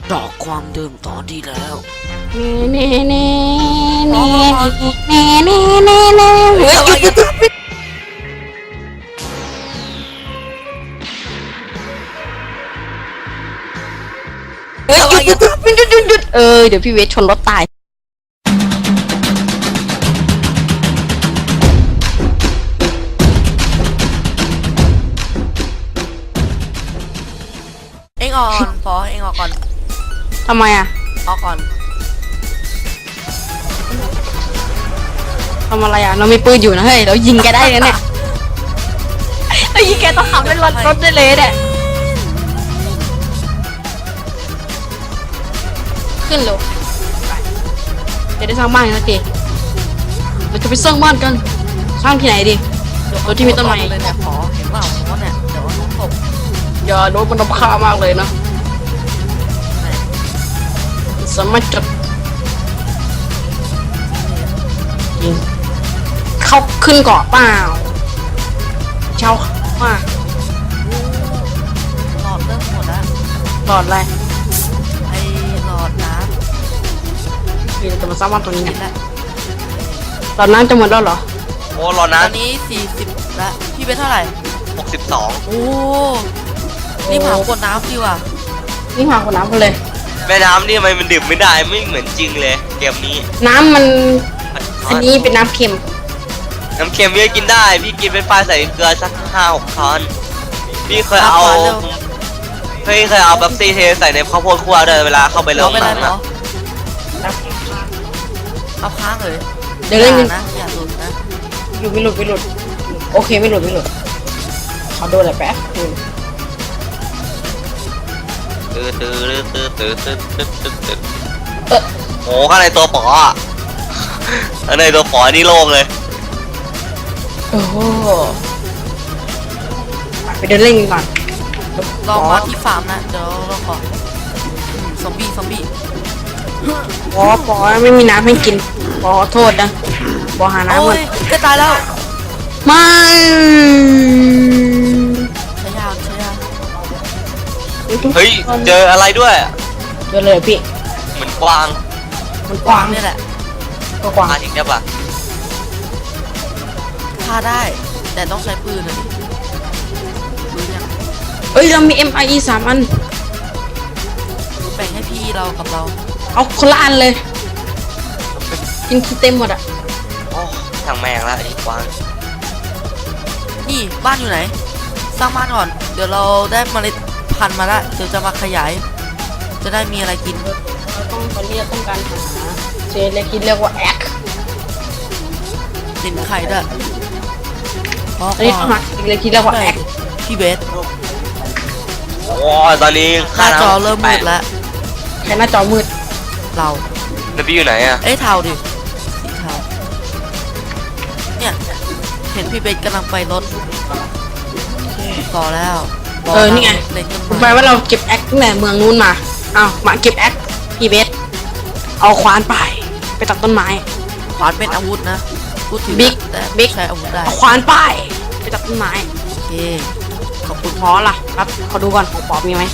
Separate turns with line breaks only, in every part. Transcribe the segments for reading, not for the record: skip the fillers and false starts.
ดอกความเดิมตอนที่แล้ว
เน่เน่เน่เน่เน่เน่เน่เน่เฮ้ยหยุดเฮ้ยหยุดเดี๋ยวพี่เวทชนรถตาย
เอ็งออกก่อนพอเอ็งออกก่อน
ทำไมอ่ะ
ออกก่อน
ทำอะไรอ่ะเรามีปืนอยู่นะเฮ้ยเรายิงแกได้เลยเนี่ยเรายิงแกต้องขับเป็นรถได้เลยเนี่ยขึ้นเร็วจะได้สร้างบ้านกันสักทีเราจะไปสร้างบ้านกันสร้างที่ไหนดีรถที่มีต้นไม้
เลยเนี่ยพอเห็นเปล่าเพราะเนี่ยเดี๋ยวน้องตก
อย่าโดนมันน้ำค่ามากเลยนะสามารถจดยิงเข้าขึ้นเกาะเปล่าเช่าว่า
หลอดเริ่มหมดแล้ว
หลอดอะไร
ไอ้หลอดน้
ำพี่จะมาสร้างบ้านตัวนี้
ำ
นะ
แล้ว
หลอดน้ำจะหมดแล้วเหรอ
โอ้รอ
ต
นะ
อนนี้40แล้วพี่เป็นเท่าไหร่
62
โอ้นี่ผ่านกดน้ำดีว่ะ
นี่หาคนน้ำกันเลย
แม่น้ำนี่ทำไมมันดื่มไม่ได้ไม่เหมือนจริงเลยเกมนี้
น้ำมันอันนี้เป็นน้ำเค็ม
น้ำเค็มพี่กินได้พี่กินเป็นปลาใส่เกลือสัก5-6 ช้อนพี่เคยเอาแบบซีเทใส่ในข้าวโพดคั่วด้วยเวลาเข้าไปเริ่ม
ไม่ได้
มัน
เหร
นะ
อเอาค้างเลย
เดี๋ยวเล่น
นะอย่าหลุดนะ
อยู่ไม่หลุดโอเคไม่หลุดขอดูอะไรแป๊บ
โอ้ข้างในตัวป๋ออ่ะข้างในตัวป๋อนี่โล่งเลย
โอ้โหไปเดินเล่นกันก่อน
ลองมาที่ฟาร์มนะเดี๋ยวเราขอซอมบี้
ปอไม่มีน้ำให้กินปอโทษนะปอหาน้ำหมด
จะตายแล้ว
ไม่
ใช้ยาว
เฮ้ยเจออะไรด้วย
เจอเลยพี่
เหมือนกวาง
มันกว้าง
นี่แหละ
ก็กว้าง
ทิ้งได้ปะ
ฆ่าได้แต่ต้องใช้ปืนนะปืนยัง
เอ้ยเรามี MIE 3 อัน
แบ่งให้พี่เรากับเรา
เอาคนละอันเลยกินขี้เต็มหมดอ่ะ
โอ้ทางแมงละไอ้กวาง
นี่บ้านอยู่ไหนสร้างบ้านก่อนเดี๋ยวเราได้เมล็ดพันธุ์มาละเดี๋ยวจะมาขยายจะได้มีอะไรกิน
ตอนนี้ต้องการหาเจเล็กที่เรียกว่าแอค
สินไข่ด้วย
ตอนนี้ต้องหาเล็กที่เรียกว่าแอค
พี่เบส
โอ้ตอนนี้
หน้าจอเริ่มมืดแล้ว
แค่หน้าจอมืด
เรา
แล้วพี่อยู่ไหนอะ
เทาดิสีเทาเนี่ยเห็นพี่เบสกำลังไปรถต่อแล้ว
นี่ไงแปลว่าเราเก็บแอคตั้งแต่เมืองนู้นมามาเก็บแอคพี่เบสเอาขวานไปตัดต้นไม้
ขวานเป็นอาวุธนะพูดถึง
บิ๊ก
ใช้อาวุธได้
ขวานไปตัดต้นไม้
โอเค
ขอบคุณพอล่ะครับขอดูก่อนของปอมีไหม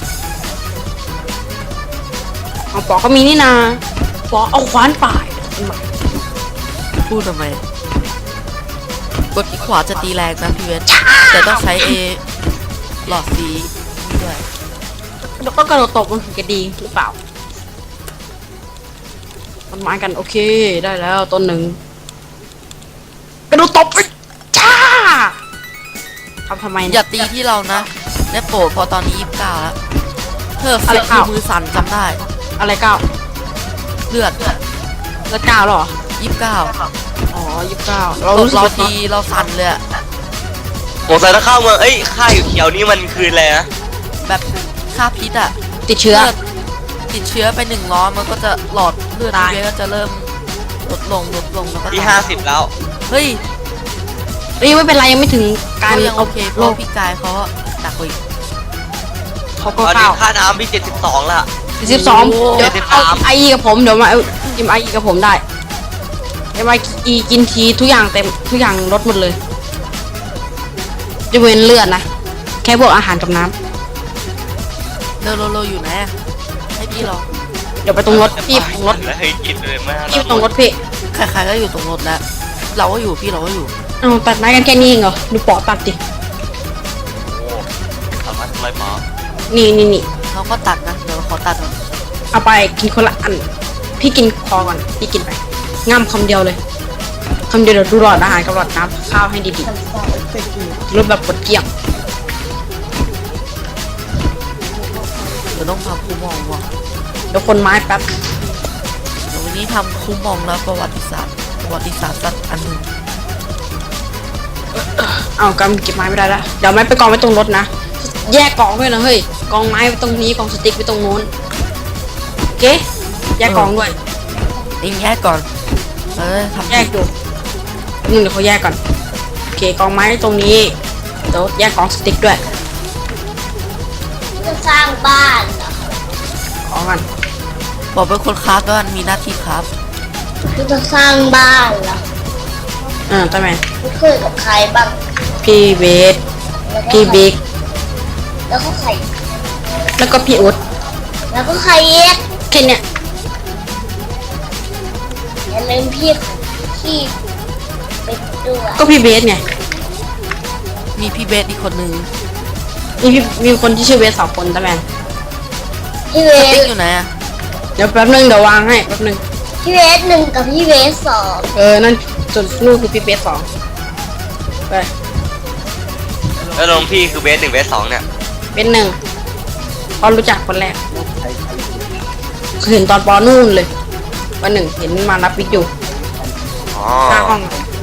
ของปอก็มีนี่นาปอเอาขวานต้นไม้
พูดทำไมกดที่ขวาจะตีแรงนะพี่เวสแต่ต้องใช้หลอดสีด้วย
แล้วก็กระโดดตบมันถึงจะดีหรือเปล่าต้นไม้กันโอเคได้แล้วต้นหนึ่งกระโดดตบจ้าทำไม
อย่าตีที่เรานะได้โปรดพอตอนนี้29แล้วเธอเสียมือสั่นจำได้
อะไร
เลือด
9หรอ
29
อ๋อ29
เราตีเราสั่นเลย
ผมใส่ถ้าเข้าเมืองค่าอยู่เขียวนี่มันคืออะไรนะ
แบบค่าพิษ
ติดเชื้อ
ไป100มันก็จะหลอดเลือดพี่เบสก็จะเริ่มลดลงแล้วก็
ที่50แล้ว
เฮ้ย
ไม่เป็นไรยังไม่ถึงการ
ยังโอเคเพราะพี่กายเขาหนักกว่าอีก
เขาก็
ค่าน้ำพี่72ละ
72เดี๋ยวเอาIEกับผมเดี๋ยวมาจิ้มIEกับผมได้MIEกินทีทุกอย่างเต็มทุกอย่างลดหมดเลยจะเว้นเลือดนะแค่พวกอาหารกับน้ำ
เราอยู่ไหนให้พี่พี่เรา
เดี๋ยวไปตรงรถพี่ตรงรถ
แล้วให้กินเลยมาก
พี่ตรงรถพี่
ใครๆก็อยู่ตรงรถแล้วเราก็อยู่พี่เราก็อยู่
เอาตัดไม้กันแค่นี้เองเหรอดูปอตัดดิ
โอ้สามารถทำไรหมอ
นี่
เราก็ตัดนะเดี๋ยวเราขอตัดก่อน
เอาไปกินคนละอัน พี่กินพอก่อนพี่กินไปง่ำคำเดียวเลยคำเดียวเดี๋ยวดูหลอดอาหารกับหลอดน้ำข้าวให้ดีๆรูปแบบกดเกลี้ยง
เดี๋ยวต้องทำคูมองว่ะ
เดี๋ยวคนไม้แป๊บ
เดี๋ยววันนี้ทำคูมองแล้วประวัติศาสตร์สักอันหนึ่ง
เอากำเก็บไม้ไม่ได้ละเดี๋ยวไม้ไปกองไว้ตรงรถนะแยกกองด้วยนะเฮ้ยกองไม้ไว้ตรงนี้กองสติ๊กไว้ตรงโน้นโอเคแยกกองด้วย
เองแยกก่อนทำ
แยกดูนึงเดี๋ยวเขาแยกก่อนโอเคกองไม้ตรงนี้เดี๋ยวแยกกองสติ๊กด้วย
จะสร้างบ้านเหรอ
ขอกัน
บอกเป็นคนคราฟด้วยมีหน้าที่คราฟ
จะสร้างบ้านเหรอ
ทำไม
ไม่เคยกับใครบ้าง
พี่เบส
แล้วก็
พี่บิ๊ก
แล้วก็ใคร
แล้วก็พี่อุ๊ด
แล้วก็ใครเย็ด
แค่เนี้ย
อย่าลืมพี่เป็นด้วย
ก็พี่เบสไง
มีพี่เบสอีกคนนึง
มีคนที่ชื่อเบส2 คนทำไม
พี่เว
ส
ส
ติ๊กอยู่ไหนอะ
เดี๋ยวแป๊บนึงเดี๋ยววางให้แป๊บนึง
พี่เวส1กับพี่เวส2
นั่นส่วนนู่นคือพี่เบส2ไป
แล้วลงพี่คือเบส1เบส2เนี่ย
เป็น1พอรู้จักคนแรกเห็นตอนปนู่นเลยวัน1เห็นมารับวิกอยู่
อ๋อ
หน้าห้อง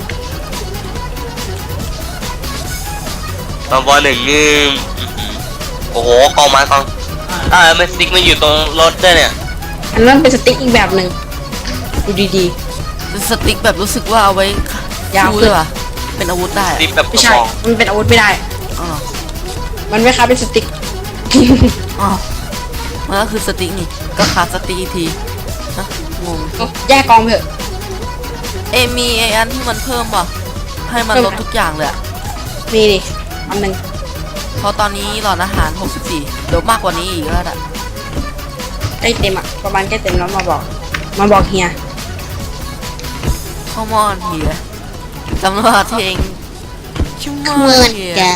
ตอนบอลหนึ่งนี่โอ้โหกองไม้กองมันสติ๊กมันอยู่ตรงรถด้วยเนี่ย
อันนั้นเป็นสติ๊กอีกแบบหนึ่งดูดี
เป็นสติ๊กแบบรู้สึกว่าเอาไว้
ยาว
สู้
ขึ้น
เลยว่ะเป็นอาวุธได้
ส
อะ
ติ๊กแบบ
ๆ
ก
ไม่
ระ
ใช่
บอก
มันเป็นอาวุธไม่ได้
อ๋อ
มันไม่ค้าเป็นสติ๊ก
อ๋อมันก็คือสติ๊กนี่ก็คราฟสติ๊กอีกทีฮะงง
แยกกองไปเถอะ
มีไออันที่มันเพิ่มป่ะให้มันลดทุกอย่างเลยอะ
มีดิอันหนึ่ง
เพราะตอนนี้หลอดอาหาร 64เดี๋ยวมากกว่านี้อีกแล้วอะ
ใกล้เต็มอ่ะประมาณใกล้เต็มแล้วมาบอกเฮีย
ข้าวมอนเหียจำได้ที่เองชุ่มมอ
เมื่อน
เหีย
แก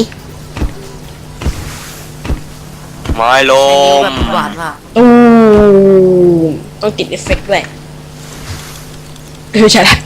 ไม้ล
แบ
ม
บหวานมาก
ตู้ต้องติดเอฟเฟกต์ด้วยไม่ใช่ละ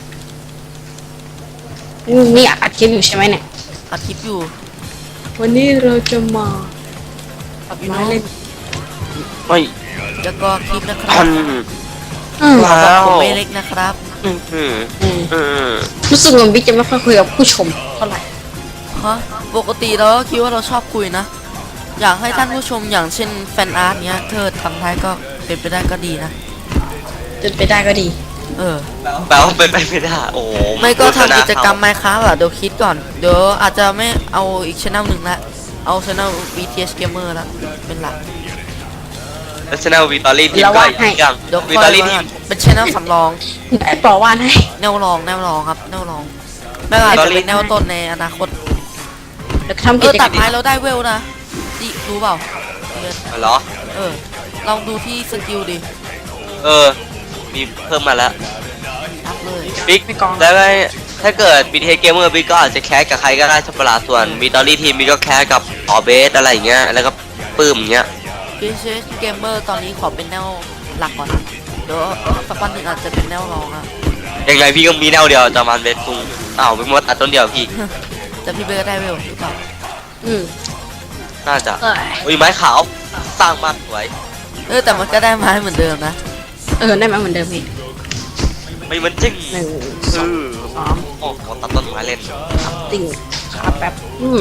นี่อัดคลิปอยู่ใช่ไหมเนี่ย
อัดคลิปอยู่
วันนี้เราจะมาตัดไม้เล่น
ไม่
แล้วก็คลิปนะครับ
พัน
เราบอก
ว้าว
ผมไม่เล็กนะครับ
อืมอืม
อืม
อืม
รู้สึกเหมือนบิ๊กจะไม่ค่อยคุยกับผู้ชมเท่าไหร่
ฮะปกติเราก็คิดว่าเราชอบคุยนะ อยากให้ท่านผู้ชมอย่างเช่นแฟนอาร์ตเนี้ยเธอทำท้ายก็เป็นไปได้ก็ดีนะ
จนไปได้ก็ดี
เออ
แปลว่าเป็นไปไม่ได้โอ้โห
ไม่ก็ทำกิจกรรมไมค้าอ่ะเดี๋ยวคิดก่อน เดี๋ยวอาจจะไม่เอาอีกช่องหนึ่งละเอาช่อง BTS Gamer ละเป็นหลัก
แล้วชแนลวิตอรี่ทีม
เรา
ก็
วาด
อีก
ให้
อย่าง
เดี๋ยว
วิ
ค่
ต
อ
อย รี่ที
ว่าม เป็นช่องสำรอง
ไอ้ปอวานให้
แนวรองครับแนวรองไม่ว่าจะเป็นแนวต้นในอนาคต
เดี๋ยวทำกิจกร
ตั
ร
ด
ม
ไม้เราได้เวลนะดิรู้เปล่า
เหรอ
ลองดูที่สกิลดิ
มีเพิ่มมาแล้ว
อัพเลย
บิ๊กแล้วก็ถ้าเกิด BTS Gamer บิ๊กก็อาจจะแคสกับใครก็ได้ใช่ปะล่ะส่วนวิตอรี่ทีมบิ๊กก็แคสกับออเบสอะไรอย่างเงี้ยแล้วก็ปื้มอย่างเงี้ย
BTS Gamer ตอนนี้ขอเป็นแนวหลักก่อนเดี๋ยวสักวันหนึ่งอาจจะเป็นแนวรองอ่ะ
ยังไงพี่ก็มีแนวเดียวจะมันเบสคุงอ้าวเป็นมดตัดต้นเดียวพี่
แต่พี่เบย์ก็ได้เวลหรือเปล่า
อืม
น่าจะ
เอ้ย
อุ้ยไม้ขาวสร้างมากสวย
แต่มันก็ได้ไม้เหมือนเดิมนะ
ได้ไหมเหมือนเดิมพี่
ไม่มันจริง
1 2 3
โอ้โหตัดต้นไม้เล่น
ติ่งครับแป๊บ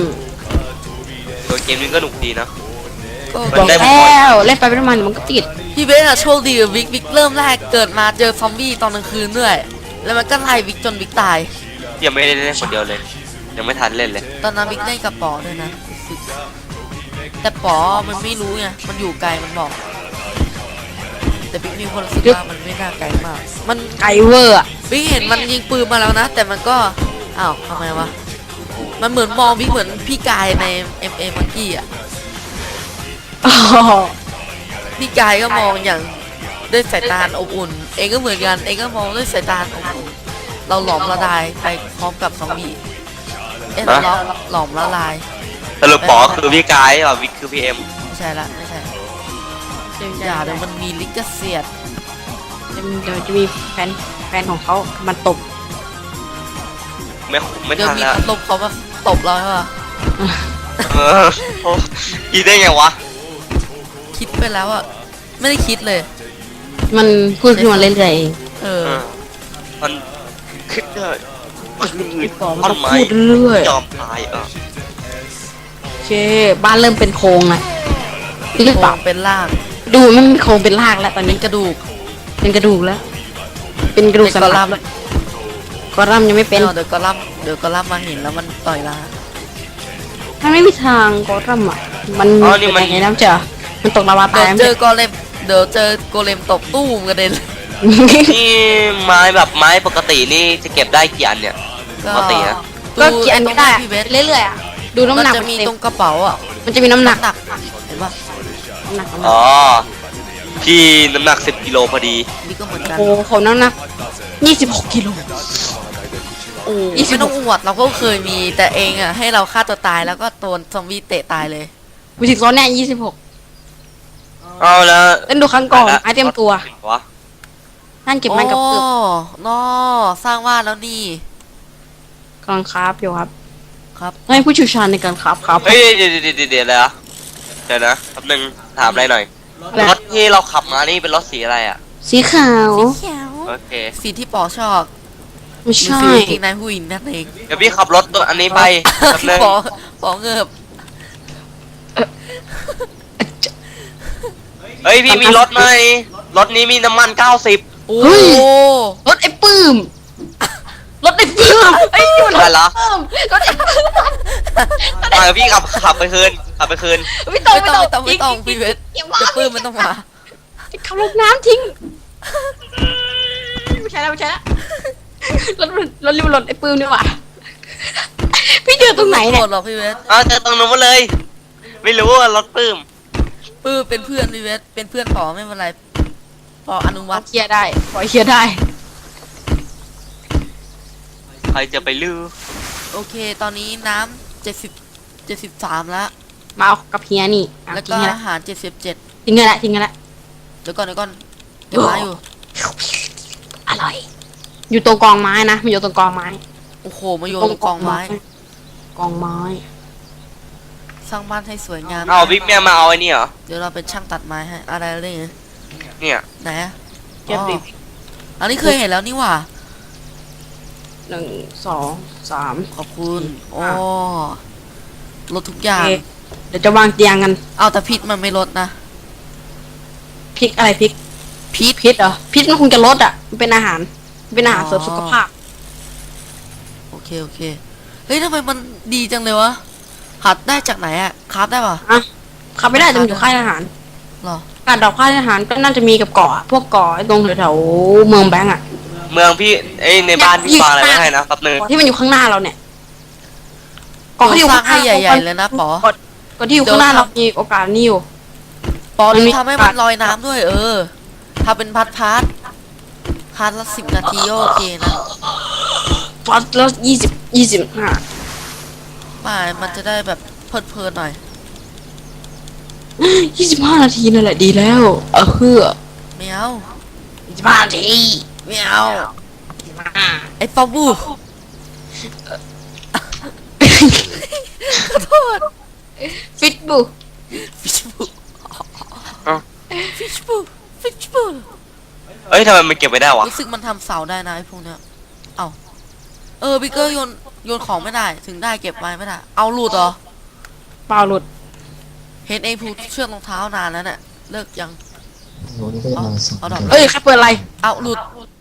ตัวเกมนี้ก็หนุกดีนะ
ก็
มัน
บอก
ได้
แล้วเล่นไปไม่ประมาณมันก็ติด
พี่เบย์อะโชคดีกับวิกเริ่มแรกเกิดมาเจอซอมบี้ตอนกลางคืนด้วย แล้วมันก็ไล่วิกจนวิกตาย
ยังไม่ได้เล่นคนเดียวเลย ยังไม่ทันเล่นเลย
ตอนนั้นวิกเล่นกับปอด้วยนะรู้สึกแต่ปอมันไม่รู้ไงมันอยู่ไกลมันบอก แต่บิ๊กมีคนรู้สึกว่ามันไม่น่าไกลมาก มัน
ไกเวอร์อ่ะ
บิ๊กเห็นมันยิงปืนมาแล้วนะ แต่มันก็อ้าวทำไมวะมันเหมือนมองบิ๊กเหมือนพี่กายใน MA มังกี้อ่ะพี่กายก็มองอย่างด้วยสายตาอบอุ่น เองก็เหมือนกัน เองก็มองด้วยสายตาอบอุ่น เราหลอมละลายไปพร้อมกับซอมบี้ เราหลอมละลาย
สรุปป๋อคือพี่กายอ่ะวิกคือพี่เอ็ม
ไม่ใช่ละไม่ใช่อย่าเดี๋ยวมันมีลิขสิทธิ์
เดี๋ยวจะมีแฟนของเขามันตบ
ไม่
เดี๋ยว
ทัน
มี
แล้ว
พัดลมเขามาตบเราใช่ปะ
เออโอ้คิดได้ไงวะ
คิดไปแล้วอะไม่ได้คิดเลย
มันพูดขึ้นมาเรื่อยๆเอง
เออ
มันคิดได้คนอื่น
บอก
ต้
มัน
นไม้
พูดเรื่อย
ยอมตาย
โอเคบ้านเริ่มเป็นโครงนะหรือ
โค
เป
ร
ล่าง
เป็นล่าง
ดูมันโครงเป็นรากแล้วตอน
เป็
นี้
นกระดูก
เป็นกระดูกแล้ว เป็นกระดูกสันหลังกอลัมยังไม่เป็น
เดี๋ยวก็ล่ำมาเห็นแล้วมันต่อยลา
มันไม่มีทางกอลัมอ่ะมันเป็นยังไงน้ำเจอมันตกลาวา
เดี๋
ตาย
ยวเจอโกเลมเดี๋ยวเจอโกเลมตบตู้มกระเด็น
นี่ไม้แบบไม้ปกตินี่จะเก็บได้กี่อันเนี่ย ปกติอะ
ก็กี่อันก็ได้
พี่เวส
เรื่อยๆอ่ะดูน้ำ
มัน
หนัก
จะมี
เต็
ตรงกระเป๋าอ่ะ
มันจะมีน้ำหนัก
หนักเห็นปะ
น้ำหนัก
อ๋อพี่น้ำหนัก10กิโลพอดี
นี่ก็เหมือนกัน
โอ้โหน้ำหนัก26กิโล
โอ้
26
ไม่ต้องอวดเราก็เคยมีแต่เองอ่ะให้เราฆ่าตัวตายแล้วก็โดนซอมบี้เตะตายเลย
ไปถึงตอนเนี้ย26
เอาแล้ว
เล่นดูครั้งก่อนไอเตรียมตัว
วะ
นั่นเก็บไม้กับเกือบ
นอสร้างบ้านแล้วนี่
กำลังคราฟอยู่ครับ
ครับ
ให้ผู้เชี่ยวชาญในการคราฟครับ
เฮ้ยเดี๋ยวเลยอะเดี๋ยวนะแป๊บนึงถามอะไรหน่อย
อะไร
รถที่เราขับมานี่เป็นรถสีอะไรอ่ะ
สีขาว
เขียว
โอเค
สีที่ปอชอบ
ไม่ใช่
สีจริงนายผู้หญิงนั่นเอง
เดี๋ยวพี่ขับรถตัวอันนี้ไปแป๊บนึง
ปอเงิบ
เฮ้ยพี่มีรถไหมรถนี้มีน้ำมัน90
โอ้
รถไอ้ปื้มรถไอ้ปื้มไอ้ยมัน
อะไรเหรอ
ปื้มรถไอ้ปื้ม
มาพี่ขับไปคืน
ไม่ต้อง
ไม่ต้องพี่เวส
เก็บ
เดี๋ยวปื้มมันต้องมา
ขับลงน้ำทิ้งไม่ใช่แล้วรถริมรถไอ้ปื้มนี่หว่าพี่เจอตรงไหนเนี่ย
โกรธหรอกพี่เวส
เอาเจอตรงนู้นมาเลย ไม่รู้ว่ารถปื้ม
ปื้มเป็นเพื่อนพี่เวสเป็นเพื่อนปอไม่เป็นไรปออนุ
ข
วั
อ
ต
เคลียร์ได้ขอเคลียร์ได้
ใครจะไปลือ
โอเค ตอนนี้น้ำ73แล้ว
มาเอากับเฮียนี่เอา
แล้ว
ทิ้
ก็
งกันละ
อาหาร77
ทิ้งกันละทิ้งกันละ
เดี๋ยวก่อนเดี๋ยวมาอยู่
อร่อย อยู่ตรงกองไม้นะมันอยู่ตรงกองไม้
โอ้โหมาโยนลงกองไม้
กองไม้
สร้างบ้านให้สวยงาม
เอาบิ๊กแม่มาเอาไอ้นี่เหรอ
เดี๋ยวเราเป็นช่างตัดไม้ให้อะไรเรื่องนี้
เนี่ย
ไหนอะ
เก็บดิ
อันนี้เคยเห็นแล้วนี่หว่า
1 2 3
ขอบคุณโอ้ลดทุกอย่าง
โอเคเดี๋ยวจะวางเตียงกัน
เอาแต่พิษมันไม่ลดนะ
พริกอะไรพริก พิษเหรอพิษมันคงจะลดอ่ะมันเป็นอาหารเสริมสุขภาพ
โอเคเฮ้ยทำไมมันดีจังเลยวะหัดได้จากไหนอะคราฟได้ปะ
อ่ะขับไม่ได้แต่มันอยู่ค่ายทหาร
หรอ
การดอกค่ายทหารก็น่าจะมีกับเกาะพวกเกาะไอ้ตรงแถวๆเมืองแบงก์อ่ะ
เมืองพี่เอ้ยในบ้านพี่ฟังอะไรไม่ให้นะแป๊บนึง
เกาะที่มันอยู่ข้างหน้าเราเนี่ย
ขอ
ที่อยู่
สร้าง
ข้างห
ให้
น้า
ใหญ่ๆเลยนะปอ
เกาะที่อยู่ข้างหน้าเรามีโอกาสนี่อยู่
ปอ
มันมี
ทำให้มันลอยน้ำด้วยทำเป็นพัดละ10 นาทีก็โอเคนะ
ฟัดแล้ว25
ป่ามันจะได้แบบเพลินๆหน่อย
25 นาทีนั่นแหละดีแล้วเฮือ
ไม่เอา
25 นาที
ไม่เอาไอ้ปอบูขอโทษ
ฟิตบู
ฟิชบู
เอ้า
ฟิชบู
เอ้ยทำไมมันเก็บไม่ได้วะ
รู้สึกมันทำเสาได้นะไอ้พวกเนี้ยเอาบิ๊กเกอร์โยนของไม่ได้ถึงได้เก็บไว้ไม่ได้เอาหลุดเหรอ
เปล่าหลุด
เห็นไอ้ผูกเชือกรองเท้านานแล้วเนี่ยเลิกยัง
โน้นก็จะมาส่ง
เอาดอก
เอ้ยใครเปิดอะไร
เอาหลุด